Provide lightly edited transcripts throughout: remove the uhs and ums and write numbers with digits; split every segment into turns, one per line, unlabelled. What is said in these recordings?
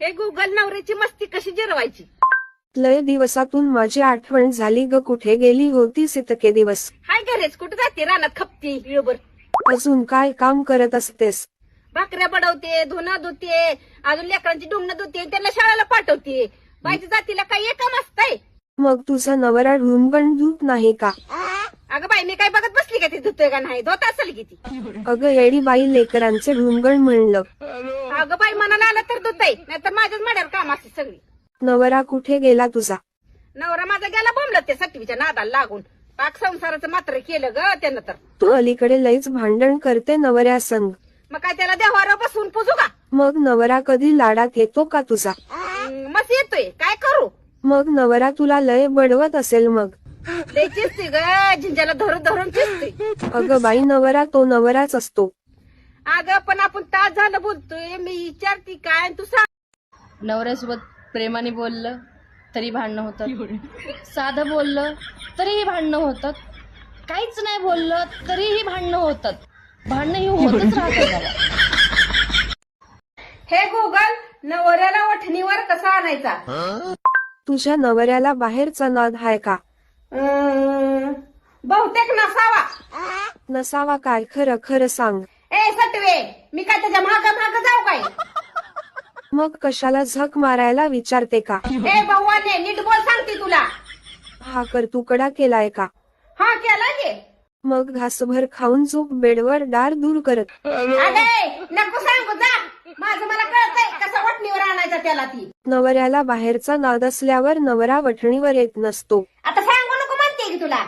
हे गुगल नवऱ्याची मस्ती कशी जिरवायची?
लय दिवसातून माझी आठवण झाली ग, कुठे गेली होतीस इतके दिवस?
हाय घरेच, कुठे जाते? रानात खपते वेळभर.
अजून काय काम करत असतेस?
भाकऱ्या बडवते, धुणं धुते, अजून लेकरांची डुंगणं धुते, त्यांना शाळेला पाठवते. बाईच्या जातीला काही एक काम असतंय?
मग तुझा नवरा ढुंगण धुत नाही का?
अगं बाई, मी काय बघत बसली का? ती धुतोय का नाही? धुत असेल की ती.
अगं येडी बाई, लेकरांचे ढुंगण म्हणलं.
अगं बाई, मनाला आलं तर धुतय, नाहीतर माझ्याच मड्यावर काम असते सगळी.
नवरा कुठे गेला तुझा?
नवरा माझा गेला बोंबलत ते सटवीच्या नादाला लागून. पाक संसाराचं मात्र केलं ग त्यानं तर.
तू अलीकडे लईच भांडण करते नवऱ्या संग.
मग काय त्याला देवावर बसून पुजू का?
मग नवरा कधी लाडात येतो का तुझा?
मस्त येतोय, काय करू?
मग नवरा तुला लय बडवत असेल मग.
लय चिसते ग, झिंजाला धरून धरून चिसते.
अगं बाई, नवरा तो नवराच असतो.
अगं पण आपण तास झालं बोलतोय, मी विचारते काय आणि तू सांग.
नवऱ्यासोबत प्रेमाने बोललं तरी भांडणं होतात, साधं बोललं तरीही भांडणं होतात, काहीच नाही बोललं तरीही भांडणं होतात. भांडणं ही होतच राहतात बाबा.
हे गुगल, नवऱ्याला वठणीवर कसा आणायचा?
तुझ्या नवऱ्याला बाहेरचा नाद हाय का?
बहुतेक नसावा.
नसावा काय? खरं खरं सांग.
ए सटवे, मी काय त्याच्या माग माग जाऊ काय?
मग कशाला झक मारायला विचारते का?
ए भगवाने, नीट बोल सांगते तुला.
हा तुकडा केलाय का?
हा केला गे.
मग घासभर खाऊन झोप बेडवर डार दूर करत.
अगे नको सांगू, जा. माझं मला कळतंय कसा वठणीवर आणायचा त्याला ती.
नवऱ्याला बाहेरचा नाद असल्यावर नवरा वठणीवर येत नसतो.
आता सांगू नको म्हणते की तुला.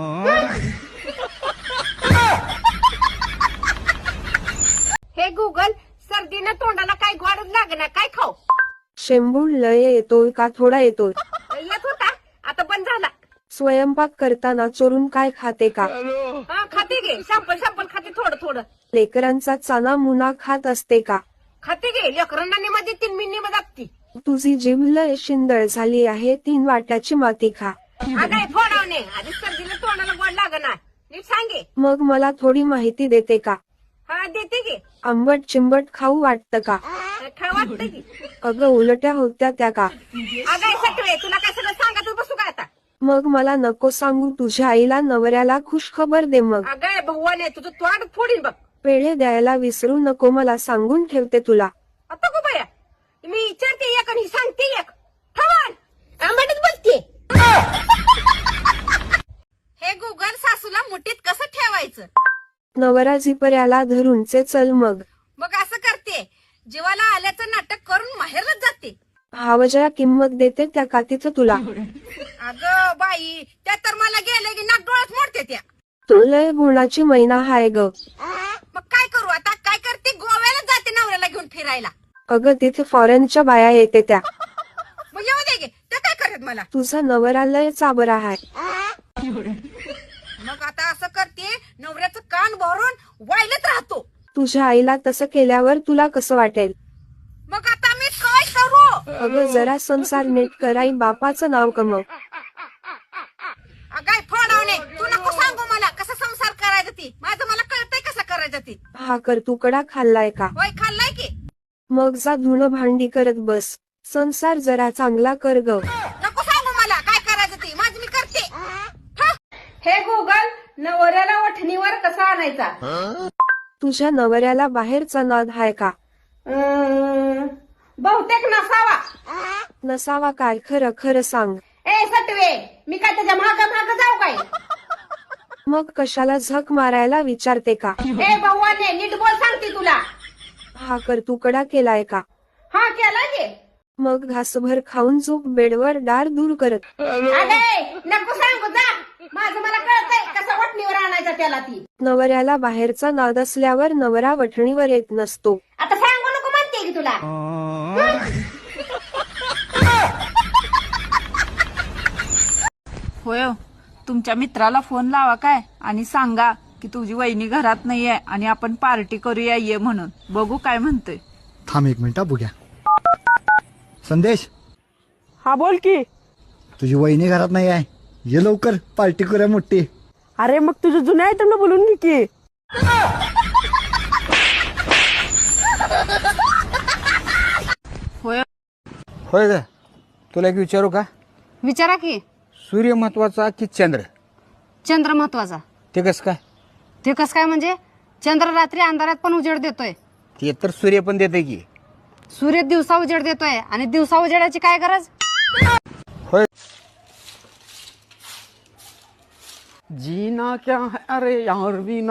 हे गुगल, सर्दीनं तोंडाला काय गोडच लागणार, काय खाऊ?
शेंबूड लय येतोय का थोडा येतोय?
येत होता, आता बंद झाला.
स्वयंपाक करताना चोरून काय खाते का?
हा खाते गे, सॅम्पल सॅम्पल खाते थोडं थोडं.
लेकरांचा चाना मुना खात असते का?
खाते गे, लेकरांना निमा देतील, मी निमा दाखती.
तुझी जीभ लय शिंदळ झाली आहे, 3 वाट्याची माती खा.
अगं फोडावणे, आधी सर्दीला तोंडाला गोड लागणार. नीट सांगे.
मग मला थोडी माहिती देते का?
हा देते गे.
आंबट चिंबट खाऊ वाटतं का?
काय वाटतं की?
अगं उलट्या होत्या त्या का?
अगं सगळे, तुला काय सगळं सांगत बसू का आता?
मग मला नको सांगू, तुझ्या आईला नवऱ्याला खुश खबर दे. मग
अगं भगवाने, तुझं तोंड फोडीन बघ.
पेढे द्यायला विसरू नको, मला सांगून ठेवते तुला.
आता गो बाया, मी विचारते एक आणि सांगते एक. ठवाल आंबाटच बोलते. हे गुगल, सासूला मुठीत कसं ठेवायचं?
नवरा झिपर्याला धरूनचे चल मग.
मग असं करते, जीवाला आल्याचं नाटक करून माहेरच जाते.
हावजया किंमत देते त्या का तिथं तुला?
अगं बाई, त्या तर मला गेले की नाक डोळ्यात मोडते त्या.
तू लय गुणाची मैना हाय ग.
मग काय करू आता? काय करते, गोव्याला जाते नवऱ्याला घेऊन फिरायला.
अगं तिथे फॉरेनच्या बाया येते त्या.
मग येऊ दे गे, ते काय करत मला?
तुझा नवरा लय चाबरा हाय.
मग आता असं करते, नवऱ्याचं कान भरून वाईलत राहतो.
तुझ्या आईला तसं केल्यावर तुला कसं वाटेल?
मग आता मी काय करू?
अगं जरा संसार नीट कराई, बापाचं नाव कमव.
अगाय फोडावणे, तू नको सांगू मला कसा संसार करायचा ती. माझं मला कळतंय कसं करायचं ती.
हा तुकडा खाल्लाय का?
होय खाल्लाय की.
मग जा धुणं भांडी करत बस. संसार जरा चांगला कर ग.
नको सांगू मला काय करायचं ती, माझं मी करते. हे गुगल, नवऱ्याला वठणीवर कसा आणायचा?
तुझ्या नवऱ्याला बाहेरचा नाद हाय का?
बहुतेक नसावा.
नसावा काय? खरं खरं सांग.
ए सटवे, मी काय त्याच्या माग माग जाऊ काय?
मग कशाला झक मारायला विचारते का?
ए भगवाने, नीट बोल सांगते तुला.
हा तुकडा केलाय का?
हा केला गे.
मग घासभर खाऊन झोप बेडवर डार दूर करत.
अगे नको सांगू, जा. माझं मला कळतंय कसा वठणीवर आणायचा त्याला ती.
नवऱ्याला बाहेरचा नाद असल्यावर नवरा वठणीवर येत नसतो.
आता सांगू नको म्हणते की तुला.
होय, तुमच्या मित्राला फोन लावा काय आणि सांगा की तुझी वहिनी घरात नाहीये आणि आपण पार्टी करूया ये म्हणून. बघू काय म्हणतोय.
थांब 1 मिनिट बघूया. संदेश,
हा बोल की.
तुझी वहिनी घरात नाही आहे, ये लवकर पार्टी करूया मोठी.
अरे मग तुझं जुन्या आयटमला बोलून घे की.
होय
होय ग, तुला एक विचारू का?
विचारा की.
सूर्य महत्वाचा की चंद्र?
चंद्र महत्वाचा.
ते कसं काय?
ते कसं काय म्हणजे? चंद्र रात्री अंधारात पण उजेड देतोय.
ते तर सूर्य पण देते की.
सूर्य दिवसा उजेड देतोय आणि दिवसा उजेडाची काय गरज?
होय. जीना क्या है अरे यार बिना.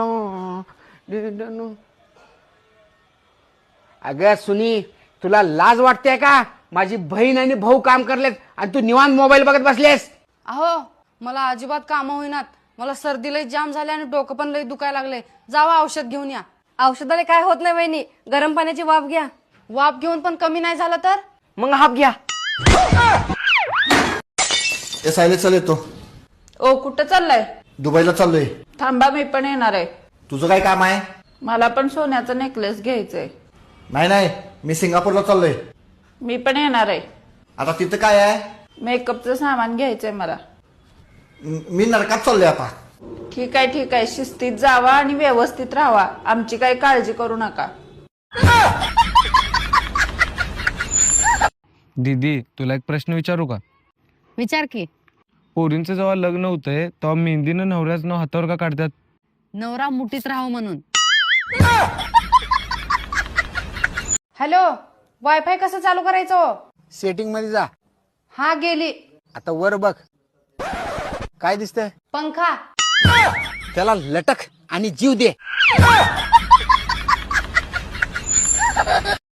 अगं सुनी, तुला लाज वाटते का? माझी बहीण आणि भाऊ काम करलेत आणि तू निवांत मोबाईल बघत बसलेस.
अहो, मला अजिबात कामं होईनात. मला सर्दी लई जाम झाली आणि डोकं पण लई दुखायला लागले. जावा औषध घेऊन या. औषधाला काय होत नाही वहिनी, गरम पाण्याची वाफ घ्या. वाफ घेऊन पण कमी नाही झालं तर
मग हाप घ्या.
सायले चल येतो.
ओ कुठं चाललाय?
दुबईला चाललोय.
थांबा, मी पण येणार आहे.
तुझं काय काम आहे?
मला पण सोन्याचा नेकलेस घ्यायचंय.
नाही, मी सिंगापूरला चाललोय.
मी पण येणार आहे.
आता तिथं काय आहे?
मेकअपचं सामान घ्यायचंय मला.
मी नरकात चाललोय आता.
ठीक आहे, शिस्तीत जावा आणि व्यवस्थित राहा. आमची काही काळजी करू नका.
दीदी, तुला एक प्रश्न विचारू का?
विचार की.
पोरींचं जेव्हा लग्न होतंय तेव्हा मेहंदीनं नवऱ्याचं नाव हातावर का काढतात?
नवरा मुठीत राहावं म्हणून. हॅलो, वायफाय कसं चालू करायचं?
सेटिंग मध्ये जा.
हा गेली.
आता वर बघ. काय दिसतंय?
पंखा.
त्याला लटक आणि जीव दे.